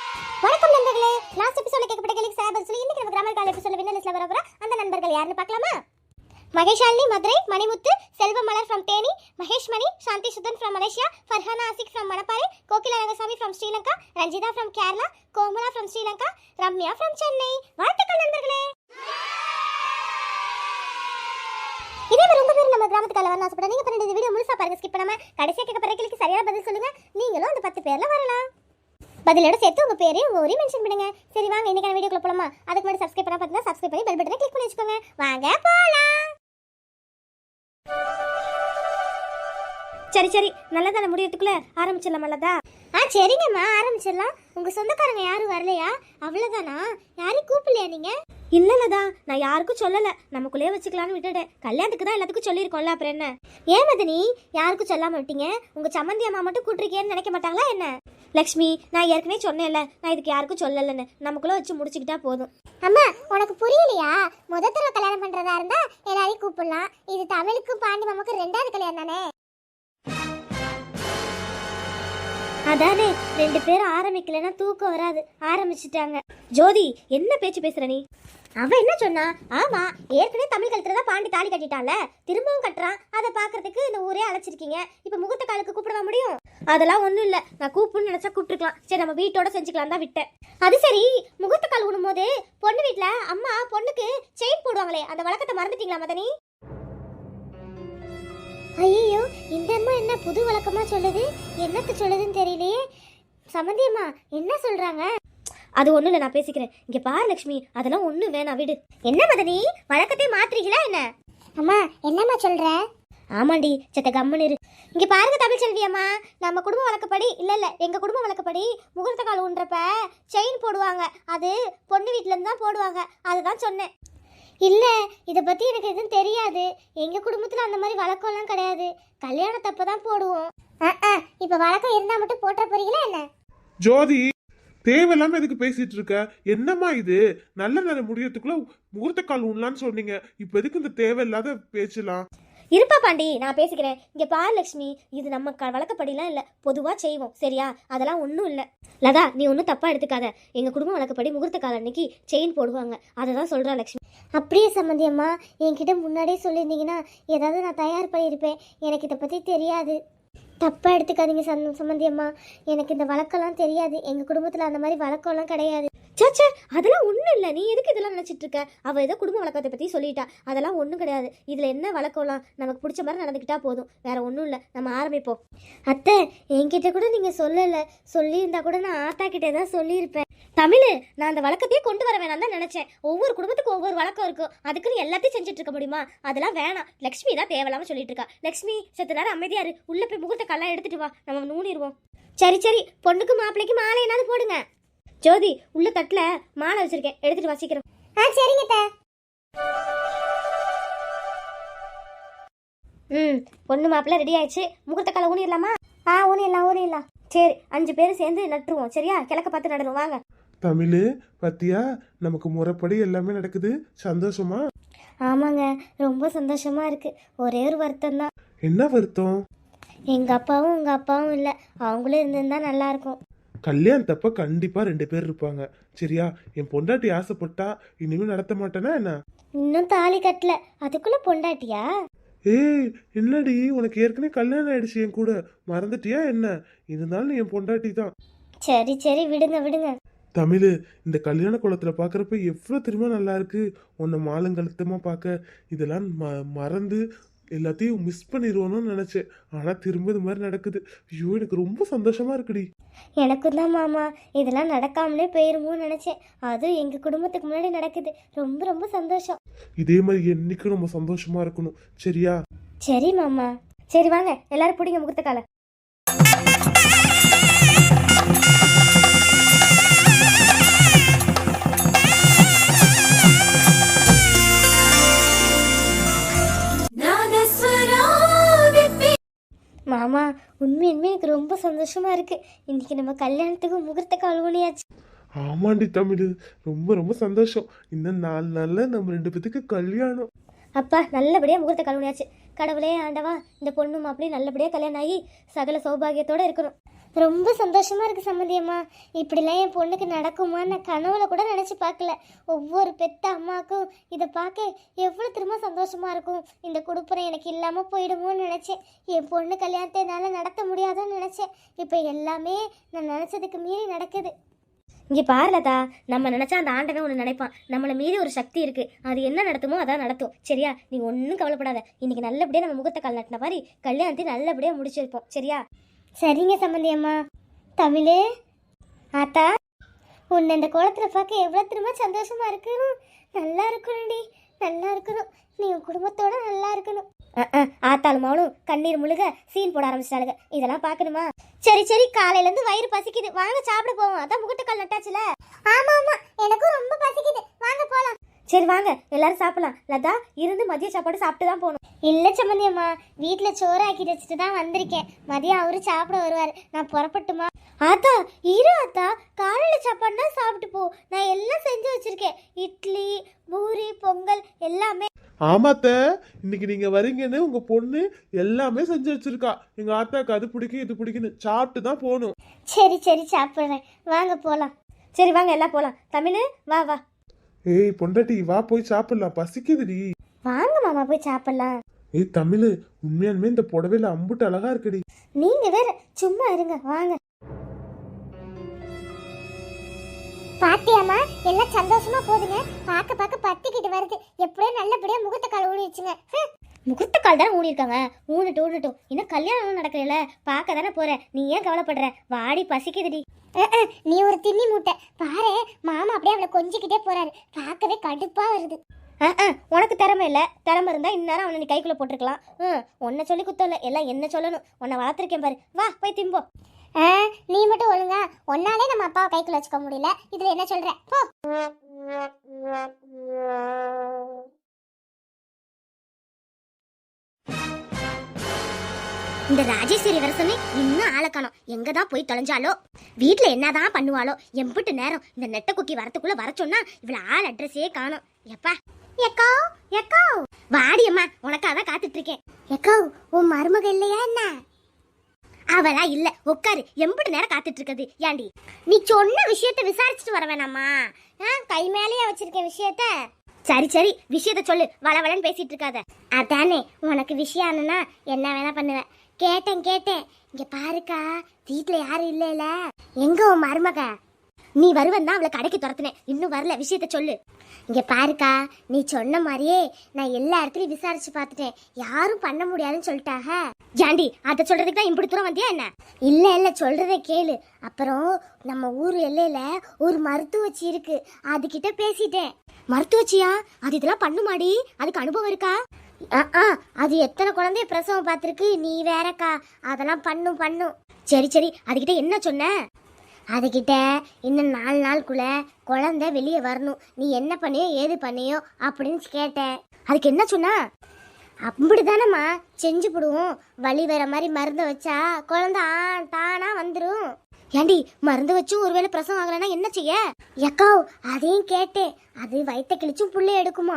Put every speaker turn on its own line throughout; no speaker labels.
வணக்கம் நண்பர்களே. லாஸ்ட் எபிசோட்ல கேட்கப்பட்ட கேள்விக்கு சார் சொல்லி இன்னைக்கு நம்ம கிராமர் கால் எபிசோட்ல வின்னர் லிஸ்ட்ல வரப்போற அந்த நண்பர்கள் யாருன்னு பார்க்கலாமா? Maheshalini Madurai, Manimuthu, Selvamalar from Theni, Mahesh Mani, Shanthi Sudhan from Malaysia, Farhana Asik from Manapparai, Kokila Rangasamy from Sri Lanka, Ranjitha from Kerala, Komala from Sri Lanka, Ramya from Chennai. வாழ்த்துக்கள் நண்பர்களே. இதே மாதிரி உங்க பேர் நம்ம கிராமத்துக்கு வரணும் ஆசைப்பட்டா நீங்க பண்ண வீடியோ முழுசா பாருங்க, ஸ்கிப் பண்ணாம கடைசியா கேட்கப்பட்ட கேள்விக்கு சரியான பதில் சொல்லுங்க. நீங்களும் அந்த 10 பேர்ல வரலாம். பதிலோட சேர்த்து உங்க பேரையும் உங்க ஊரையும் மென்ஷன் பண்ணுங்க. சரி வாங்க இன்னைக்கான வீடியோக்குள்ள போலாமா? அதுக்கு முன்னாடி சப்ஸ்கிரைப் பண்ணா பார்த்தா சப்ஸ்கிரைப் பண்ணி பெல் பட்டனை கிளிக் பண்ணி வச்சுக்கோங்க. வாங்க போலாம். சரி நல்லதான முடியறதுக்குள்ள ஆரம்பிச்சிடலாம். நல்லதா? சரிங்கம்மா ஆரம்பிச்சிடலாம். உங்க சொந்தக்காரங்க யாரும் வரலையா? அவ்வளவுதானா? யாரையும் கூப்பிடலையா நீங்க? இல்லலதா, நான் யாருக்கும் சொல்லல, நமக்குள்ளேயே வச்சுக்கலான்னு விட்டுட்டேன். கல்யாணத்துக்கு தான் எல்லாத்துக்கும் சொல்லியிருக்கோம்ல, அப்புறம் என்ன? ஏன் மதனி யாருக்கும் சொல்லாம விட்டீங்க? உங்க சம்மந்தி அம்மா மட்டும் கூட்டிருக்கேன்னு நினைக்க மாட்டாங்களா என்ன? லக்ஷ்மி, நான் ஏற்கனவே சொன்னேன்ல, நான் இதுக்கு யாருக்கும் சொல்லலன்னு. நமக்குள்ள வச்சு முடிச்சுக்கிட்டா போதும். அம்மா உனக்கு புரியலையா? முத தடவை கல்யாணம் பண்றதா இருந்தா எல்லாரையும் கூப்பிடலாம். இது தமிழுக்கும் பாண்டி மாமாக்கும் 2வது கல்யாணம் தானே. அதானே, 2 பேரும் ஆரம்பிக்கலன்னா தூக்கம் வராது. ஆரம்பிச்சுட்டாங்க. ஜோதி, என்ன பேச்சு பேசுற நீ? அவ என்ன சொன்னா? ஆமா, ஏற்கனவே தமிழ் கழுத்துல தான் பாண்டி தாலி கட்டிட்டான்ல, திரும்பவும் கட்டுறான். அதை பாக்குறதுக்கு இந்த ஊரே அழைச்சிருக்கீங்க. இப்ப முகூர்த்த காலுக்கு கூப்பிடவா முடியும்? அதெல்லாம் ஒண்ணும் இல்ல, நான் கூப்பிடணும்னு நினைச்சா கூப்பிட்டுருக்கலாம். சரி நம்ம வீட்டோட செஞ்சுக்கலாம் தான் விட்டேன். அது சரி, முகூர்த்த கால் விடும் போது பொண்ணு வீட்டுல அம்மா பொண்ணுக்கு செயின் போடுவாங்களே, அந்த வழக்கத்தை மறந்துட்டீங்களா மதனி? ஐயோ, இந்த அம்மா என்ன புது வழக்கமா சொல்லுது? என்னத்து சொல்லுதுன்னு தெரியலையே. சம்மந்தியம்மா என்ன சொல்றாங்க? அது ஒண்ணு இல்ல, நான் பேசிக்கிறேன். இங்க பாரு லட்சுமி, அதெல்லாம் ஒண்ணு வேணாம், விடு. என்ன மதனி, வழக்கத்தை மாத்துறீங்களா என்ன? அம்மா என்னம்மா சொல்ற? ஆமாண்டி, செத்த கம்மன் இரு. இங்க பாருங்க தமிழ் செல்வி அம்மா, நம்ம குடும்ப வழக்கப்படி இல்ல எங்க குடும்ப வழக்கப்படி முகூர்த்த கால் ஊன்றப்ப செயின் போடுவாங்க. அது பொண்ணு வீட்டுல இருந்து தான் போடுவாங்க. அதுதான் சொன்னேன். இல்ல, இதை பத்தி எனக்கு எதுவும் தெரியாது. எங்க குடும்பத்துல அந்த மாதிரி வழக்கம்லாம் கிடையாது. கல்யாணத்தப்ப தான் போடுவோம். இப்ப வழக்கம் இருந்தா மட்டும் போட்ட போறீங்களா என்ன?
ஜோதி, தேவையில்லாம எதுக்கு பேசிட்டு இருக்க? என்னம்மா இது? நல்ல முடியறதுக்குள்ள முகூர்த்த கால் உண்ணலான்னு சொன்னீங்க. இப்ப எதுக்கு இந்த தேவையில்லாத பேச்சலாம்?
இருப்பா பாண்டி, நான் பேசிக்கிறேன். இங்க பாரு லட்சுமி, இது நம்ம வழக்கப்படிலாம் இல்ல, பொதுவா செய்வோம், சரியா? அதெல்லாம் ஒன்றும் இல்லை. லதா, நீ ஒன்றும் தப்பா எடுத்துக்காத. எங்க குடும்பம் வழக்கப்படி முகூர்த்த கால அன்னைக்கு செயின் போடுவாங்க. அதை தான் சொல்றா லட்சுமி. அப்படியே சம்மந்தியம்மா, என்கிட்ட முன்னாடியே சொல்லியிருந்தீங்கன்னா ஏதாவது நான் தயார் பண்ணியிருப்பேன். எனக்கு இதை பத்தி தெரியாது. தப்பா எடுத்துக்காதீங்க சம்மந்தியம்மா, எனக்கு இந்த வழக்கம்லாம் தெரியாது. எங்க குடும்பத்துல அந்த மாதிரி வழக்கம்லாம் கிடையாது. சாச்சா, அதெல்லாம் ஒன்றும் இல்லை. நீ எதுக்கு இதெல்லாம் நினச்சிட்டு இருக்க? அவள் ஏதோ குடும்ப வழக்கத்தை பற்றி சொல்லிட்டா. அதெல்லாம் ஒன்றும் கிடையாது. இதில் என்ன வழக்கம்லாம் நமக்கு பிடிச்ச மாதிரி நடந்துக்கிட்டா போதும். வேற ஒன்றும் இல்லை. நம்ம ஆரம்பிப்போம். அத்தை, என்கிட்ட கூட நீங்கள் சொல்லலை. சொல்லியிருந்தா கூட நான் ஆத்தா கிட்டே தான் சொல்லியிருப்பேன். தமிழ், நான் அந்த வழக்கத்தையே கொண்டு வர வேணாம் தான் நினச்சேன். ஒவ்வொரு குடும்பத்துக்கும் ஒவ்வொரு வழக்கம் இருக்கும். அதுக்குன்னு எல்லாத்தையும் செஞ்சுட்டு இருக்க முடியுமா? அதெல்லாம் வேணாம். லக்ஷ்மி தான் தேவையில்லாமல் சொல்லிட்டு இருக்கா. லக்ஷ்மி, சத்து நேரம் அமைதியாரு. உள்ள போய் முகூர்த்த கல்லாம் எடுத்துட்டு வா, நம்ம நூனிடுவோம். சரி, பொண்ணுக்கு மாப்பிள்ளைக்கு மாலை என்னாவது போடுங்க. ஜோதி, உள்ள தட்டுல மாலை வச்சிருக்கேன், எடுத்துட்டு வாசிக்கிறோம். சரிங்க. பொண்ணு மாப்பிள்ள ரெடி ஆயிடுச்சு. முகூர்த்த கால ஊனிடலாமா? ஊனிடலாம். சரி, 5 பேரும் சேர்ந்து நட்டுருவோம், சரியா? கிழக்க பார்த்து நடுறோம், வாங்க.
தமிழ், பத்தியா, நமக்கு முறைப்படி எல்லாமே நடக்குது. சந்தோஷமா?
ஆமாங்க, ரொம்ப சந்தோஷமா இருக்கு. ஒரே ஒரு வருத்தம் தான்.
என்ன வருத்தம்?
எங்க அப்பாவும் உங்க அப்பாவும் இல்ல, அவங்களும் இருந்திருந்தா நல்லா இருக்கும்.
கல்யாணத்தப்ப கண்டிப்பா 2 பேர் இருப்பாங்க, சரியா? என் பொண்டாட்டி ஆசைப்பட்டா இனிமே நடத்த மாட்டேனா என்ன?
இன்னும் தாலி கட்டல, அதுக்குள்ள பொண்டாட்டியா?
ஏய், என்னடி, உனக்கு ஏற்கனவே கல்யாணம் ஆயிடுச்சு என் கூட, மறந்துட்டியா என்ன? இருந்தாலும் என் பொண்டாட்டி தான்.
சரி, விடுங்க.
தமிழ், இந்த கல்யாண குளத்துல பாக்குறப்ப எவ்வளவு திரும்ப நல்லா இருக்கு. உன்னை மாலங்கழுத்தமா பார்க்க இதெல்லாம் மறந்து எல்லாத்தையும் மிஸ் பண்ணிடுவோன்னு நினைச்சேன். ஆனா திரும்ப இது மாதிரி நடக்குது. ஐயோ, எனக்கு ரொம்ப சந்தோஷமா இருக்குடி.
எனக்கும் தான் மாமா, இதெல்லாம் நடக்காமலே போயிருமோன்னு நினைச்சேன். அதுவும் எங்க குடும்பத்துக்கு முன்னாடி நடக்குது. ரொம்ப ரொம்ப சந்தோஷம்.
இதே மாதிரி என்னைக்கும் நம்ம சந்தோஷமா இருக்கணும், சரியா?
சரி மாமா. சரி வாங்க, எல்லாரும் பிடிங்க முகூர்த்த கால. மாமா, உண்மையுமே எனக்கு ரொம்ப சந்தோஷமா இருக்கு. இன்னைக்கு நம்ம கல்யாணத்துக்கு முகூர்த்த கால் ஊனியாச்சு.
ஆமாண்டி தமிழ், ரொம்ப ரொம்ப சந்தோஷம். இன்னும் 4 நாள்ல நம்ம 2 பேத்துக்கு கல்யாணம்.
அப்பா, நல்லபடியா முகூர்த்த கால் ஊனியாச்சு. கடவுளே ஆண்டவா, இந்த பொண்ணு மாப்பிளையும் நல்லபடியா கல்யாணம் ஆகி சகல சௌபாகியத்தோட இருக்கணும். ரொம்ப சந்தோஷமா இருக்கு சம்மந்தியம்மா. இப்படிலாம் என் பொண்ணுக்கு நடக்குமா நான் கனவுல கூட நினைச்சு பார்க்கல. ஒவ்வொரு பெத்த அம்மாக்கும் இதை பார்க்க எவ்வளவு திரும்ப சந்தோஷமா இருக்கும். இந்த குடுப்புறம் எனக்கு இல்லாம போயிடுமோன்னு நினைச்சேன். என் பொண்ணு கல்யாணத்தை என்னால நடத்த முடியாதுன்னு நினைச்சேன். இப்ப எல்லாமே நான் நினைச்சதுக்கு மீறி நடக்குது. இங்கே பாருலதா, நம்ம நினச்சா அந்த ஆண்டவன் ஒன்று நினைப்பான். நம்மளை மீறி ஒரு சக்தி இருக்குது, அது என்ன நடத்துமோ அதான் நடத்தும். சரியா? நீ ஒன்றும் கவலைப்படாத. இன்னைக்கு நல்லபடியாக நம்ம முகத்தை கால் நட்டின மாதிரி கல்யாணத்தை நல்லபடியாக முடிச்சிருப்போம். சரியா? சரிங்க சம்பந்தி அம்மா. தமிழ் ஆத்தா, உன்னை இந்த கோலத்தில் பார்க்க எவ்வளோ திரும்ப சந்தோஷமா இருக்கணும். நல்லா இருக்கணும்டி, நல்லா இருக்கணும். நீ உன் குடும்பத்தோட நல்லா இருக்கணும். ஆத்தாலும் அவனும் கண்ணீர் முழுக சீன் போட ஆரம்பிச்சிட்டாளுங்க. இதெல்லாம் பார்க்கணுமா? சரி சரி, காலையில இருந்து வயிறு பசிக்குது, வாங்க சாப்பிட போவோம். அதான் முகட்டுக்கால் நட்டாச்சுல. ஆமா ஆமா, எனக்கும் ரொம்ப பசிக்குது, வாங்க போலாம். சரி வாங்க எல்லாரும் சாப்பிடலாம். லதா, இருந்து மதிய சாப்பாடு சாப்பிட்டு தான் போகணும். இல்ல சம்மந்தி அம்மா, வீட்டுல சோறு ஆக்கிட்டு வச்சுட்டு தான் வந்திருக்கேன். மதியம் அவரு சாப்பிட வருவாரு, நான் புறப்பட்டுமா? ஆத்தா இரு ஆத்தா, காலையில சாப்பாடுனா சாப்பிட்டு போ. நான் எல்லாம் செஞ்சு வச்சிருக்கேன், இட்லி பூரி பொங்கல் எல்லாமே.
ஆமாத்த, இன்னைக்கு நீங்க வரீங்கன்னு உங்க பொண்ணு எல்லாமே செஞ்சு வச்சிருக்கா. எங்க ஆத்தாக்கு அது பிடிக்கும் இது பிடிக்குன்னு சாப்பிட்டு தான் போகணும்.
சரி சரி சாப்பிட்றேன், வாங்க போலாம். சரி வாங்க எல்லாம் போலாம். தமிழ் வா வா.
ஏய் பொண்டாட்டி, வா போய் சாப்பிடலாம், பசிக்குதுடி.
வாங்க மாமா போய் சாப்பிடலாம்.
ஏய் தமிழ், உண்மையாலுமே இந்த புடவையில அம்புட்டு அழகா இருக்குடி.
நீங்க வேற சும்மா இருங்க, வாங்க. பாத்தியாமா, எல்லாம் சந்தோஷமா போதுங்க. பார்க்க பார்க்க பத்திக்கிட்டு வருது. எப்படியும் நல்லபடியா முகூர்த்த கால் ஊனிடுச்சுங்க. முகூர்த்த கால் தானே ஊனிருக்காங்க. ஊனட்டும். இன்னும் கல்யாணம் நடக்கல, பார்க்க தானே போற. நீ ஏன் கவலைப்படுற? வாடி, பசிக்குதுடி. நீ ஒரு திண்ணி மூட்டை பாரு. மாமா அப்படியே அவளை கொஞ்சிக்கிட்டே போறாரு, பார்க்கவே கடுப்பா வருது. உனக்கு திறமை இல்லை, திறமை இருந்தா இந்நேரம் அவனை நீ கைக்குள்ள போட்டிருக்கலாம். உன்னை சொல்லி குத்தம் இல்லை, எல்லாம் என்ன சொல்லணும். உன்னை வளர்த்துருக்கேன் பாரு, வா போய் திம்போ. நீ மட்டும் ஒழுங்கா, ஒன்னாலே நம்ம அப்பாவை கைக்குள்ள வச்சுக்க முடியல, இதுல என்ன சொல்ற? போ. இந்த ராஜேஸ்வரி வரசமே இன்னும் ஆளை காணோம். எங்கதான் போய் தொலைஞ்சாலோ, வீட்டுல என்னதான் பண்ணுவாளோ. எம்பிட்டு நேரம் இந்த நெட்ட குக்கி வரத்துக்குள்ள வர சொன்னா இவ்வளவு ஆள் அட்ரஸே காணோம். எப்பா எக்கோ எக்கோ, வாடி அம்மா, உனக்காக காத்துட்டு இருக்கேன். எக்கோ, உன் மருமக இல்லையா என்ன? அவளா இல்ல, உட்காரு. எம்பிட்டு நேரம் காத்துட்டு இருக்குது. ஏண்டி, நீ சொன்ன விஷயத்த விசாரிச்சுட்டு வர வேணாமா? கை மேலேயே வச்சிருக்கேன் விஷயத்த. சரி சரி, விஷயத்த சொல்லு, வளவளன்னு பேசிட்டு இருக்காத. அதானே, உனக்கு விஷயம் ஆனா என்ன வேணா பண்ணுவேன். கேட்டேன். இங்க பாருக்கா, வீட்டுல யாரும் இல்லைல. எங்க உன் மருமக? நீ வருவன்னா அவளை கடைக்கு துரத்துனேன், இன்னும் வரல. விஷயத்த சொல்லு. இங்க பாருக்கா, நீ சொன்ன மாதிரியே நான் எல்லா இடத்துலயும் விசாரிச்சு பார்த்துட்டேன், யாரும் பண்ண முடியாதுன்னு சொல்லிட்டாங்க. ஜாண்டி, அதை சொல்றதுக்கு தான் இப்படி தூரம் வந்தியா என்ன? இல்ல சொல்றதை கேளு. அப்புறம் நம்ம ஊர் எல்லையில ஒரு மருத்துவச்சி இருக்கு, அதுகிட்ட பேசிட்டேன். மருத்துவச்சியா? அது இதெல்லாம் பண்ணுமாடி? அதுக்கு அனுபவம் இருக்கா? அது எத்தனை குழந்தைய பிரசவம் பார்த்துருக்கு, நீ வேறக்கா. அதெல்லாம் பண்ணும். சரி அதுகிட்ட என்ன சொன்ன? அதுகிட்ட இன்னும் 4 நாளுக்குள்ள குழந்தை வெளியே வரணும், நீ என்ன பண்ணியோ ஏது பண்ணியோ அப்படின்னு கேட்டேன். அதுக்கு என்ன சொன்னா? அப்படிதானம்மா, செஞ்சு போடுவோம். வலி வர மாதிரி மருந்து வச்சா குழந்தை தானா வந்துடும். ஏண்டி, மருந்து வச்சும் ஒருவேளை பிரசவம் ஆகலைன்னா என்ன செய்ய? எக்கோ, அதையும் கேட்டேன். அது வயிற்ற கிழிச்சும் புள்ளை எடுக்குமா?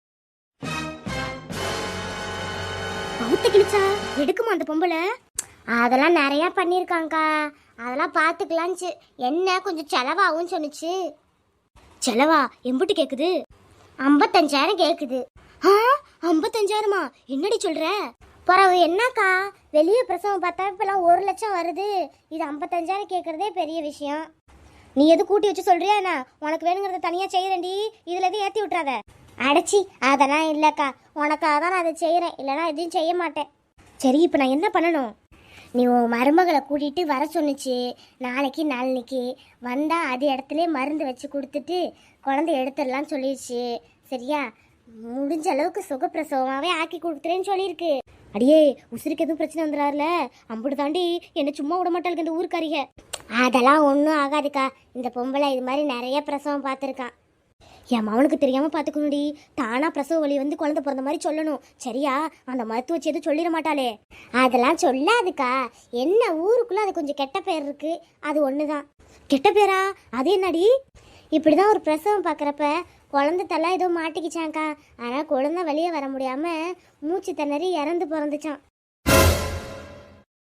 வயிற்ற கிழிச்சா எடுக்குமா அந்த பொம்பளை? அதெல்லாம் நிறைய பண்ணியிருக்காங்கக்கா, அதெல்லாம் பார்த்துக்கலான்ச்சு. என்ன கொஞ்சம் செலவாகும் சொன்னிச்சு. செலவா எம்பிட்டு கேட்குது? 55,000 கேட்குது. 55,000மா? என்னடி சொல்ற? பரவு என்னக்கா, வெளியே பிரசவம் பார்த்தா இப்பெல்லாம் 1 லட்சம் வருது, இது 55,000 கேட்கறதே பெரிய விஷயம். நீ எது கூட்டி வச்சு சொல்றியா என்ன? உனக்கு வேணுங்கிறத தனியா செய்யறேன்டி, இதுல எதுவும் ஏற்றி விட்டுறாத. அடைச்சி, அதெல்லாம் இல்லைக்கா, உனக்காக தான் நான் அதை செய்கிறேன், இல்லைனா எதையும் செய்ய மாட்டேன். சரி, இப்போ நான் என்ன பண்ணணும்? நீ உன் மருமகளை கூட்டிகிட்டு வர சொன்னிச்சு. நாளைக்கு வந்தால் அது இடத்துல மருந்து வச்சு கொடுத்துட்டு குழந்தை எடுத்துடலான்னு சொல்லிடுச்சு. சரியா? முடிஞ்ச அளவுக்கு சுகப்பிரசவமாகவே ஆக்கி கொடுத்துறேன்னு சொல்லியிருக்கு. அடியே, உசுருக்கு எதுவும் பிரச்சனை வந்துடாருல? அம்புட்டு தாண்டி என்னை சும்மா விட மாட்டாளுக்கு இந்த ஊருக்காரிக. அதெல்லாம் ஒன்றும் ஆகாதுக்கா, இந்த பொம்பளை இது மாதிரி நிறைய பிரசவம் பார்த்துருக்கான். என் மவனுக்கு தெரியாமல் பார்த்துக்கணுடி. தானா பிரசவ வலி வந்து குழந்தை பிறந்த மாதிரி சொல்லணும். சரியா? அந்த மருத்துவச்சி எதுவும் சொல்லிட மாட்டாளே. அதெல்லாம் சொல்லாதுக்கா. என்ன ஊருக்குள்ள அது கொஞ்சம் கெட்ட பேர் இருக்கு, அது ஒன்று தான். கெட்ட பேரா? அது என்னடி? இப்படி தான் ஒரு பிரசவம் பார்க்குறப்ப குழந்தை தலை ஏதோ மாட்டிக்கிச்சாங்க்கா. ஆனால் குழந்தை வெளியே வர முடியாமல் மூச்சு திணறி இறந்து பிறந்துச்சான்.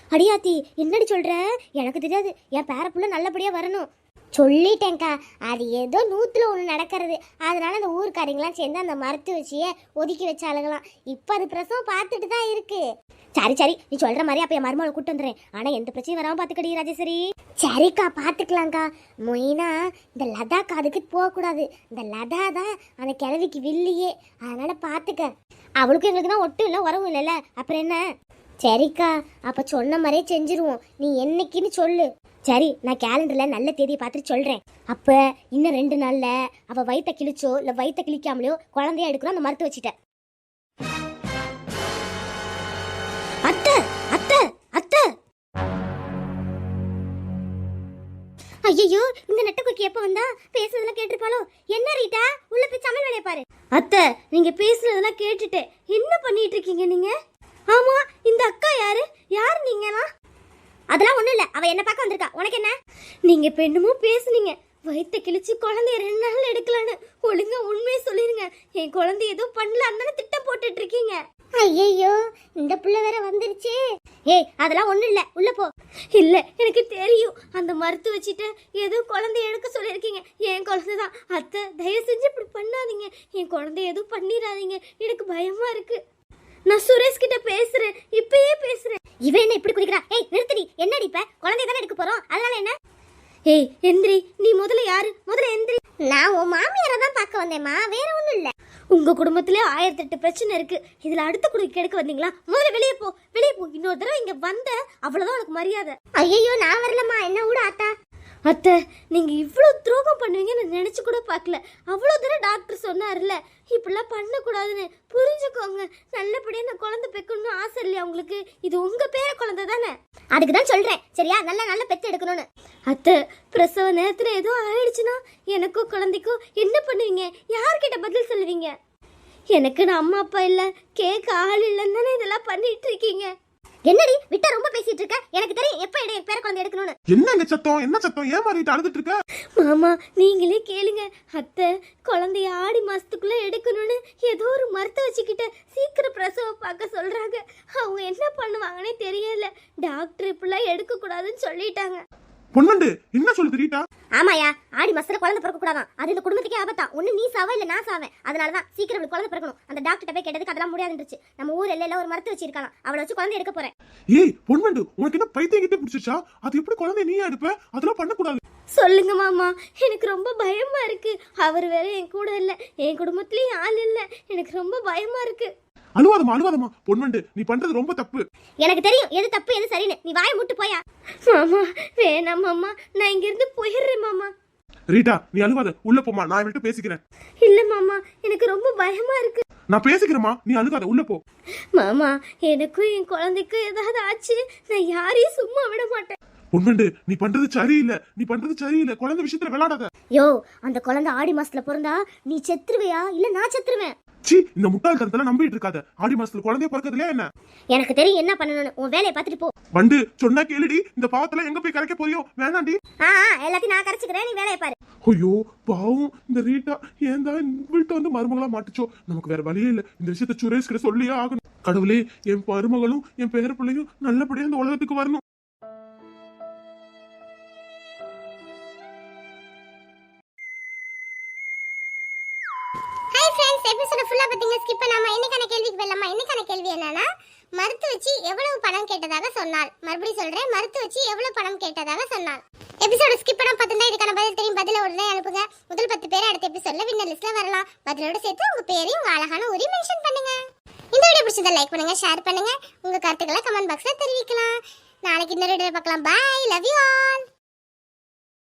அடியாத்தி என்னடி சொல்ற? எனக்கு தெரியாது, என் பேரப்புள்ள நல்லபடியா வரணும். சொல்லிட்டேன்க்கா, அது ஏதோ 100ல் 1 நடக்கிறது. அதனால அந்த ஊர்க்காரங்களாம் சேர்ந்து அந்த மரத்து வச்சியே ஒதுக்கி வச்சாளுங்களாம். இப்போ அது பிரசவம் பார்த்துட்டு தான் இருக்கு. சரி சரி, நீ சொல்ற மாதிரி அப்ப என் மருமகளை கூட்டு வந்துடுறேன். ஆனா எந்த பிரச்சனையும் வராம பாத்துக்கடி ராஜேஸ்வரி. சரிக்கா, பாத்துக்கலாம்க்கா. மொயினா இந்த லதா காதுக்கு போகக்கூடாது. இந்த லதா தான் அந்த கிழவிக்கு வில்லியே. அதனால பாத்துக்க. அவளுக்கும் எங்களுக்கு தான் ஒட்டும் இல்லை உறவும் இல்லைல்ல, அப்புறம் என்ன? சரிக்கா, அப்ப சொன்ன மாதிரியே செஞ்சிருவோம். நீ என்னைக்குன்னு சொல்லு. சரி, நான் கேலண்டர்ல நல்ல தேதியை பார்த்துட்டு சொல்றேன். அப்ப இன்னும் 2 நாள்ல அவ வயித்தை கிழிச்சோ இல்ல வயித்தை கிழிக்காமலையோ குழந்தைய எடுக்கணும் அந்த மறுத்து வச்சுட்டேன். அத்தை அத்தை அத்தை, ஐயோ இந்த நெட்டக்குக்கி எப்ப வந்தா? பேசுறதெல்லாம் கேட்டிருப்பாளோ? என்ன ரீட்டா, உள்ள போய் சமையல் வேலையை பாரு. அத்தை, நீங்க பேசுறதெல்லாம் கேட்டுட்டு என்ன பண்ணிட்டு இருக்கீங்க நீங்க? ஆமா, இந்த அக்கா யாரு? யார் நீங்களா? அதெல்லாம் ஒண்ணும் இல்ல, அவ என்ன பார்க்க வந்திருக்கா. உனக்கு என்ன? நீங்க இப்ப என்னமோ பேசுனீங்க, வயித்த கிழிச்சு குழந்தைய 2 நாள் எடுக்கலான்னு. ஒழுங்கா உண்மையை சொல்லிருங்க. என் குழந்தை ஏதோ பண்ணல, அந்த திட்டம் போட்டுட்டு இருக்கீங்க. ஐயோ, இந்த பிள்ளை வேற வந்துருச்சு. ஏய், அதெல்லாம் ஒண்ணும் இல்ல, உள்ள போ. இல்ல, எனக்கு தெரியும். அந்த மறுத்து வச்சுட்டு ஏதோ குழந்தைய எடுக்க சொல்லியிருக்கீங்க. என் குழந்தைதான். அத்தை, தயவு செஞ்சு இப்படி பண்ணாதீங்க. என் குழந்தைய எதுவும் பண்ணிடாதீங்க, எனக்கு பயமா இருக்கு. நான் சுரேஷ் கிட்ட பேசுறேன், இப்பயே பேசுறேன். இவன் என்ன இப்படி குதிக்கிறா? ஏய் நிறுத்தடி, என்னடி இப்ப? குழந்தைய தானே எடுக்க போறோம், அதனால என்ன? ஏய் எந்திரி, நீ முதல்ல யாரு? முதல்ல எந்திரி. நான் உன் மாமியாரை தான் பார்க்க வந்தேம்மா, வேற ஒண்ணும் இல்ல. உங்க குடும்பத்திலே 1008 பிரச்சனை இருக்கு, இதுல அடுத்த குடும்பம் எடுக்க வந்தீங்களா? முதல்ல வெளியே போ, வெளியே போ. இன்னொரு தடவை இங்க வந்த அவ்வளவுதான் உனக்கு மரியாதை. ஐயோ, நான் வரலம்மா, என்ன விட ஆத்தா. அத்தை, நீங்க இவ்வளவு துரோகம் பண்ணுவீங்கன்னு நினைச்சு கூட பார்க்கல. அவ்வளவு தடவை டாக்டர் சொன்னார்ல இப்படிலாம் பண்ணக்கூடாதுன்னு. புரிஞ்சுக்கோங்க. நல்லபடியா நான் குழந்தை பெக்கணும்னு ஆசை இல்லையா உங்களுக்கு? இது உங்க பேர குழந்தை தானே, அதுக்கு தான் சொல்றேன். சரியா, நல்ல பெத்து எடுக்கணும்னு. அத்தை, பிரசவ நேரத்துல ஏதோ ஆயிடுச்சுன்னா எனக்கும் குழந்தைக்கும் என்ன பண்ணுவீங்க? யார்கிட்ட பதில் சொல்லுவீங்க? எனக்கு நான் அம்மா அப்பா இல்ல, கேட்க ஆள் இல்லைன்னு தானே இதெல்லாம் பண்ணிட்டு இருக்கீங்க. என்னடி விட்டா ரொம்ப பேசிட்டு இருக்க? எனக்கு தெரியும் எப்ப பேர குழந்தை எடுக்கணும்னு.
என்ன சத்தம்? என்ன சத்தம்? ஏன் மாதிரி அழுதுட்டு இருக்க?
மாமா, நீங்களே கேளுங்க. அத்தை, குழந்தைய ஆடி மாசத்துக்குள்ள எடுக்கணும்னு ஏதோ ஒரு மருத்துவ வச்சுக்கிட்ட சீக்கிரம் பிரசவம் பார்க்க சொல்றாங்க. அவங்க என்ன பண்ணுவாங்கன்னே தெரியல. டாக்டர் இப்படிலாம் எடுக்க கூடாதுன்னு சொல்லிட்டாங்க.
பொண்ணுண்டு என்ன சொல்லுது ரீட்டா?
ஆமாயா, ஆடி மாசத்துல குழந்தை பிறக்க கூடாதான். அது இந்த குடும்பத்துக்கே ஆபத்தா. ஒண்ணு நீ சாவ இல்ல நான் சாவேன். அதனாலதான் சீக்கிரம் இவளுக்கு குழந்தை பிறக்கணும். அந்த டாக்டர் போய் கேட்டதுக்கு அதெல்லாம் முடியாதுன்றுச்சு. நம்ம ஊர் எல்லையில ஒரு மருத்துவ வச்சிருக்காங்க, அவளை வச்சு குழந்தை எடுக்க போறேன்.
ஏய் பொண்ணுண்டு, உனக்கு என்ன பைத்தியம் கிட்ட பிடிச்சிச்சா? அது எப்படி குழந்தை நீ எடுப்ப? அதெல்லாம் பண்ணக்கூடாது.
சொல்லுங்க மாமா, எனக்கு ரொம்ப பயமா இருக்கு. அவர் வேற என் கூட இல்ல, என் குடும்பத்திலயும் ஆள் இல்ல. எனக்கு ரொம்ப பயமா இருக்கு.
அழுவாதமா பொண்ணுண்டு, நீ பண்றது ரொம்ப தப்பு.
எனக்கு தெரியும் எது தப்பு எது சரின்னு. நீ வாயை மூட்டு போயா. மாமா வேணாம் மாமா, நான் இங்க இருந்து போயிடுறேன் மாமா.
ரீட்டா, நீ அழுவாத, உள்ள போமா, நான் இவள்கிட்ட பேசிக்கிறேன்.
இல்ல மாமா, எனக்கு ரொம்ப பயமா இருக்கு.
நான் பேசிக்கிறேமா, நீ அழுகாத, உள்ள போ.
மாமா, எனக்கும் என் குழந்தைக்கும் ஏதாவது ஆச்சு, நான் யாரையும் சும்மா விட மாட்டேன்.
பொண்ணுண்டு, நீ பண்றது சரியில்லை. குழந்தை விஷயத்துல விளையாடாத.
யோ, அந்த குழந்தை ஆடி மாசத்துல பிறந்தா நீ செத்துருவையா இல்ல நான் செத்துருவேன்?
சீ, இந்த முட்டாள்தனத்தெல்லாம் நம்பிட்டு இருக்காத. ஆடி மாசத்துல குழந்தைய பிறக்கிறதுல என்ன?
எனக்கு தெரியும் என்ன பண்ணணும்னு. உன் வேலையை பார்த்துட்டு போ.
வண்டு சொன்னா கேளுடி. இந்த பாவத்துல எங்க போய் கரைக்க போறியோ? வேணாண்டி.
எல்லாத்தையும் நான் கரைச்சுக்கிறேன், நீ வேலையை பாரு.
ஐயோ பாவம் இந்த ரீட்டா, ஏன் தான் வீட்டை வந்து மருமகளா மாட்டுச்சோ? நமக்கு வேற வழியே இல்ல. இந்த விஷயத்த சுரேஷ் கிட்ட சொல்லியே ஆகணும். கடவுளே, என் மருமகளும் என் பேர பிள்ளையும் நல்லபடியா இந்த உலகத்துக்கு வரணும்.
எபிசோட ஃபுல்லா பாத்தீங்க, ஸ்கிப் பண்ணாம இன்னைக்கான கேள்விக்கு வரலாமா? இன்னைக்கான கேள்வி என்னன்னா, மருத்து வச்சு எவ்வளவு பணம் கேட்டதாக சொன்னாள்? மறுபடியும் சொல்றேன், மருத்து வச்சு எவ்வளவு பணம் கேட்டதாக சொன்னாள்? எபிசோட ஸ்கிப் பண்ணாம பார்த்தா இதுக்கான பதில் தெரியும். பதில உடனே அனுப்புங்க. முதல் 10 பேர் அடுத்த எபிசோட்ல வின்னர் லிஸ்ட்ல வரலாம். பதிலோட சேர்த்து உங்க பேரையும் உங்க அழகான ஊரையும் மென்ஷன் பண்ணுங்க. இந்த வீடியோ பிடிச்சதை லைக் பண்ணுங்க, ஷேர் பண்ணுங்க, உங்க கருத்துக்களை கமெண்ட் பாக்ஸ்ல தெரிவிக்கலாம். நாளைக்கு இன்னொரு வீடியோல பார்க்கலாம். Bye, love you all.